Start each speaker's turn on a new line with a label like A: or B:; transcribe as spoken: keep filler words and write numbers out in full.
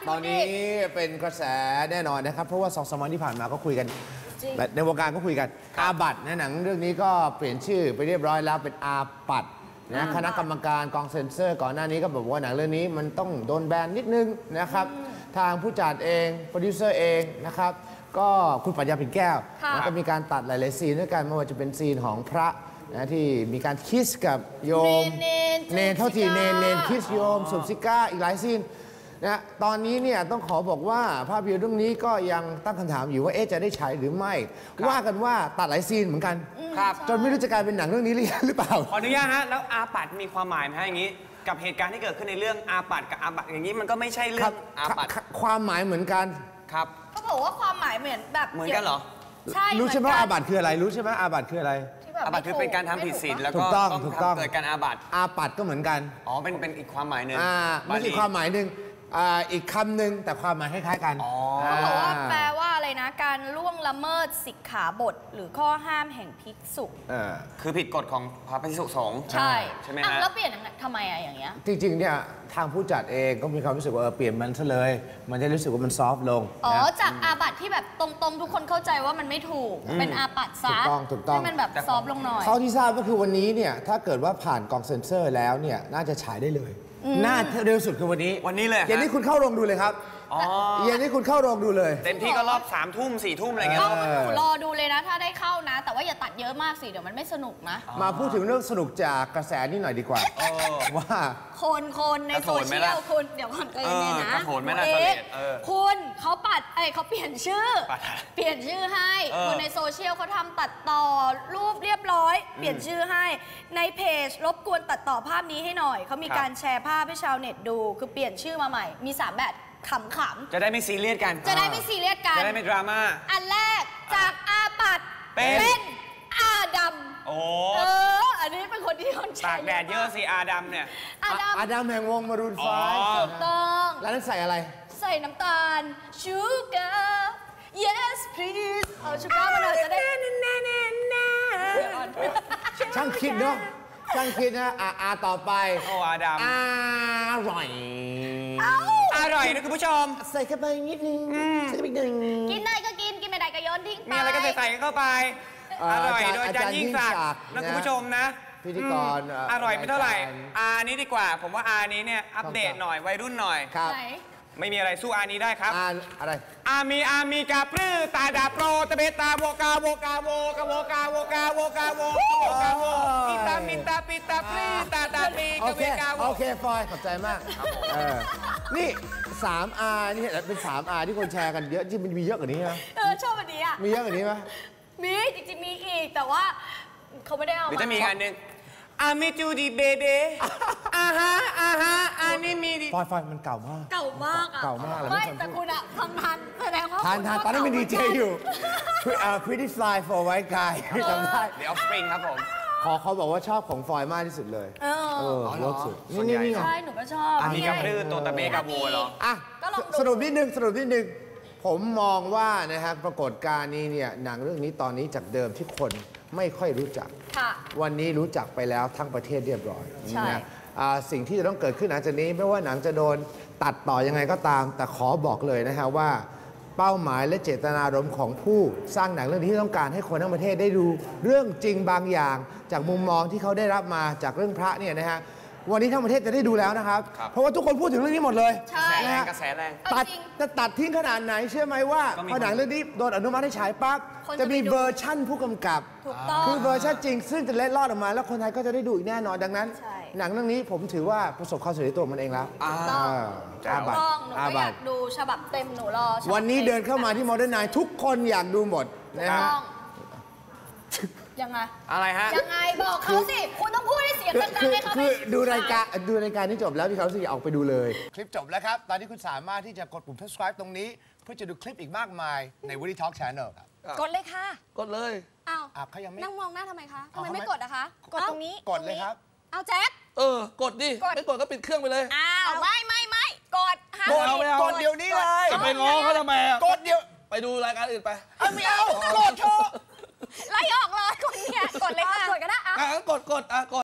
A: ตอนนี้เป็นกระแสแน่นอนนะครับเพราะว่าสองสามวันที่ผ่านมาก็คุยกันในวงการก็คุยกันอาบัตในหนังเรื่องนี้ก็เปลี่ยนชื่อไปเรียบร้อยแล้วเป็นอาปัดนะคณะกรรมการกองเซ็นเซอร์ก่อนหน้านี้ก็บอกว่าหนังเรื่องนี้มันต้องโดนแบนนิดนึงนะครับทางผู้จัดเองโปรดิวเซอร์เองนะครับก็คุณปัญญาปิ่นแก้วแล้วก็มีการตัดหลายๆซีนด้วยกันไม่ว่าจะเป็นซีนของพระนะที่มีการคิสกับโยมเนนเท่าที่เนนเนนคิสโยมสูบซิก้าอีกหลายซีนนะตอนนี้เนี่ยต้องขอบอกว่าภาพยนตร์เรื่องนี้ก็ยังตั้งคำถามอยู่ว่าเอ๊ะจะได้ฉายหรือไม่ว่ากันว่าตัดหลายซีนเหมือนกันจนไม่รู้จะกลายเป็นหนังเรื่องนี้หรือเปล่า
B: ขออนุญาตฮะแล้วอาปัดมีความหมายไหมฮะอย่างนี้กับเหตุการณ์ที่เกิดขึ้นในเรื่องอาปัดกับอาบัตอย่างนี้มันก็ไม่ใช่เรื่องอาปัด
A: ความหมายเหมือนกัน
B: ครับ
C: เขาบอกว่าความหมายเหมือนแบบ
B: เหมือนกันเหรอ
C: ใช่
A: รู้ใช่ไหมอาบัตคืออะไรรู้ใช่ไหมอาบัตคืออะไร
B: อาบัตคือเป็นการทำผิดศีลแล้วก็ต้องเกิดการอาบัต
A: อาปัดก็เหมือนกัน
B: อ๋อเป็นเป็นอีกความหมายหนึ่ง
A: อ่าไม่ใช่ความหมายหนึ่งอีกคำหนึ่งแต่ความหมายคล้ายๆกัน
C: เขาบอกว่าแปลว่าอะไรนะการล่วงละเมิดสิกขาบทหรือข้อห้ามแห่งภิกษุ
B: คือผิดกฎของพระภิกษุสงฆ์
C: ใช่
B: ใช่ไหมฮะ
C: แล้วเปลี่ยนทำไมอะอย่างเงี้ย
A: จริงๆเนี่ยทางผู้จัดเองก็มีความรู้สึกว่าเปลี่ยนมันซะเลยมันจะรู้สึกว่ามันซอฟต์ลง
C: อ๋อจากอาบัติที่แบบตรงๆทุกคนเข้าใจว่ามันไม่ถูกเป็นอาบัติซะ
A: ถูกต้องถูกต้อง
C: ให้มันแบบซอฟต์ลงหน่อย
A: เขาที่ทราบก็คือวันนี้เนี่ยถ้าเกิดว่าผ่านกองเซ็นเซอร์แล้วเนี่ยน่าจะฉายได้เลยน่าเร็วสุดคือวันนี้
B: วันนี้เลย
A: อย่างนี้คุณเข้าโรงดูเลยครับอย่างนี้คุณเข้าโรงดูเลย
B: เต็มที่ก็รอบสามทุ่มสี่ทุ่มอะไรเงี้ย
C: หนูรอดูเลยนะถ้าได้เข้านะแต่ว่าอย่าตัดเยอะมากสิเดี๋ยวมันไม่สนุกนะ
A: มาพูดถึงเรื่องสนุกจากกระแสนี่หน่อยดีกว่าว่า
C: คนคนในโซเชียลคุณเดี๋ยวก่อนใจเย็นนะคุณเขาปัดเอ้เขาเปลี่ยนชื่อเปลี่ยนชื่อให้คนในโซเชียลเขาทำตัดต่อรูปเรียบร้อยเปลี่ยนชื่อให้ในเพจรบกวนตัดต่อภาพนี้ให้หน่อยเขามีการแชร์ภาพให้ชาวเน็ตดูคือเปลี่ยนชื่อมาใหม่มีสามแบบขำๆ
B: จะได้ไม่ซีเรียสกัน
C: จะได้ไม่ซีเรียสกัน
B: จะได้ไม่ดราม่า
C: อันแรกจากอาปัดเป็นอาดำ
B: โอ้
C: เอออันนี้เป็นคนที่คน
B: ตากแดดเยอะสิอาดำเนี่ย
C: อาดำ
A: อาดำแห่งวงมารูนไฟ
C: ถูกต้อง
A: แล้วนั้นใส่อะไร
C: ใส่น้ำตาลชูการ์ yes please เอาชูการ์มาหน่อยจะได้
A: ช่างคิดเนาะช่างคิดนะอาอาต่อไป
B: โอ้อาดำ
A: อร่อย
B: อร่อยนะคุณผู้ชม
A: ใส่เข้าไปนิดนึงใส่ไปนิดนึง
C: กินได้ก็กินกินไม่ได้ก็โยนทิ้งไป
B: มีอะไรก็ใส่ใส่เข้าไปอร่อยโดยอาจารย์ยิ่งศักดิ์นะคุณผู้ชมนะ
A: พิธีกร
B: อร่อยไม่เท่าไหร่อานี้ดีกว่าผมว่าอานี้เนี่ยอัปเดตหน่อยวัยรุ่นหน่อย
A: ครับ
B: ไม่มีอะไรสู้อานี้ได้ครับ
A: อาอะไร
B: อามีอามีกาปลื้อตาดาโปรตะเบตาโวกาโวกาโวกาโวกาโวกาโวกาโวโวกาโวปิตามิตาปิตาปลื้อตาตาปีกาเวกาโว
A: โอเคฟอยขอบใจมากนี่สามอานี่เป็นสามอาที่คนแชร์กันเยอะที่มันมีเยอะกว่านี้ไหม
C: เออชอบอันนี้อ่ะ
A: มีเยอะกว่านี้ไหม
C: มีจริงๆมีอีกแต่ว่าเขาไม่ได้เอา
B: หรือจะมีอันนึงอามิจูดีเบเบอาฮะอาฮะอันนี้มีดิ
A: ฟอยฟอยมันเก่ามาก
C: เก่ามากอ่ะ
A: เก่ามาก
C: ไม่แต่คุณอะทำทันแสดงว่า
A: ทานทานตอนนั้นเป็นดีเจอยู่ Pretty Fly for White Guy จำได้
B: The Offspring ครับผม
A: ขอเขาบอกว่าชอบของฟอยมากที่สุดเลย
C: เออ
A: เวิร์กสุด
B: นี่นี่
C: ใช่หนูก็ชอบ
B: อันนี้กับลือตัวตะเบกับโวเหรอ
A: อ่ะสรุปนิดนึงสรุปนิดนึงผมมองว่านะฮะปรากฏการณ์นี้เนี่ยหนังเรื่องนี้ตอนนี้จากเดิมที่คนไม่ค่อยรู้จักวันนี้รู้จักไปแล้วทั้งประเทศเรียบร้อยนะสิ่งที่จะต้องเกิดขึ้นหลังจากนี้ไม่ว่าหนังจะโดนตัดต่อยังไงก็ตามแต่ขอบอกเลยนะฮะว่าเป้าหมายและเจตนารมณ์ของผู้สร้างหนังเรื่องนี้ที่ต้องการให้คนทั้งประเทศได้ดูเรื่องจริงบางอย่างจากมุมมองที่เขาได้รับมาจากเรื่องพระเนี่ยนะฮะวันนี้ทั้งประเทศจะได้ดูแล้วนะครับเพราะว่าทุกคนพูดถึงเรื่องนี้หมดเลย
C: ใช่
B: กระแสแรง
A: ตัดจะตัดทิ้งขนาดไหนเชื่อไหมว่าพอหนังเรื่องนี้โดนอนุมัติให้ฉายปั๊บจะมีเวอร์ชั่นผู้กำกับคือเวอร์ชันจริงซึ่งจะเล็ดลอดออกมาแล้วคนไทยก็จะได้ดูอีกแน่นอนดังนั้นหนังเรื่องนี้ผมถือว่าประสบความสำเร็จตัวมันเองแล้ว
C: อาบัตหนูก็อยากดูฉบับเต็มหนูรอ
A: วันนี้เดินเข้ามาที่ Modern Night ทุกคนอยากดูหมดนะฮะ
C: ยังไง
B: อะไรฮะ
C: ยังไงบอกเขาสิคุณต้องพูดให้เสียงดังๆให้เขา
A: คือดูรายการดูรายการที่จบแล้วที่เขาสิออกไปดูเลยคลิปจบแล้วครับตอนนี้คุณสามารถที่จะกดปุ่ม subscribe ตรงนี้เพื่อจะดูคลิปอีกมากมายใน Woody Talk Channel ครับ
C: กดเลยค่ะ
D: กดเลย
C: อ้าว
A: เขายังไม่
C: นั่งมองหน้าทำไมคะทำไมไม่กดอะคะ
A: กดตรงนี้กดเลยครับ
C: เอาแจ็ค
D: เออกดดิไม่กดก็ปิดเครื่องไปเลย
C: อ้าวไม่ไม่ไม่กด
D: กดเอาไปเอา
A: กดเดี๋ยวนี้เลย
D: จะไปง้อเขาทำไม
A: กดเดี๋ยว
D: ไปดูรายการอื่นไป
A: ไม่เอากดเถอะ
C: ไล่ออกเลยคนเนี่ยกดเลยค่ะกดก็ได้อ่ะ
D: กดกดอ่ะกด